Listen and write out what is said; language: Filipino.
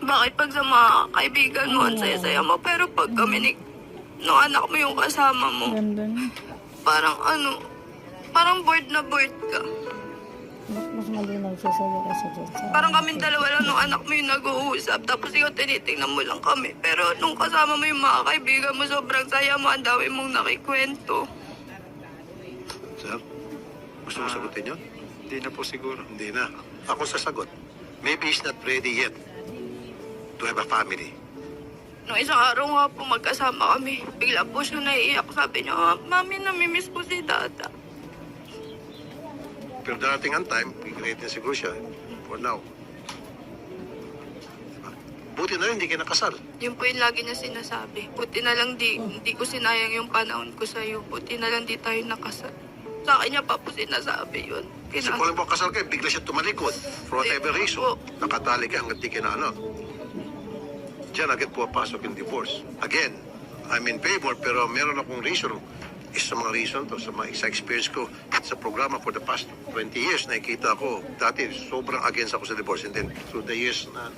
Bakit pag sa mga kaibigan mo, ang saya-saya mo, pero pag kami nung anak mo yung kasama mo, Ganda na. parang parang bored na bored ka. Mas malinaw siya sa'yo kasi dyan sa... Parang kaming dalawa lang nung anak mo yung nag-uusap, tapos ikaw tinitingnan mo lang kami. Pero nung kasama mo yung mga kaibigan mo, sobrang saya mo, ang dami mong nakikwento. Sir, gusto mo sagutin yun? Hindi na po siguro. Hindi na. Ako sasagot. Maybe he's not ready yet to have a family. Nung isang araw nga po magkasama kami, bigla po siya naiiyak. Sabi niya, Mami, namimiss ko si Dada. Pero darating ang time, i-create na siguro siya. For now. Diba? Buti na rin, hindi kayo nakasal. Yun po yung lagi niya sinasabi. Buti na lang hindi ko sinayang yung panahon ko sa'yo. Buti na lang di tayo nakasal. Sa akin niya pa po sinasabi yun. Kasi kung alam mo kasal kayo, bigla siya tumalikod. For whatever Hindi reason. po. Nakatali ka hanggang di kinano. Diyan agad pumapasok yung divorce. Again, I'm in favor, pero meron akong reason. Isa sa mga reason to, sa mga sa experience ko sa programa for the past 20 years, nakikita ko, dati sobrang against ako sa divorce. And then, through the years na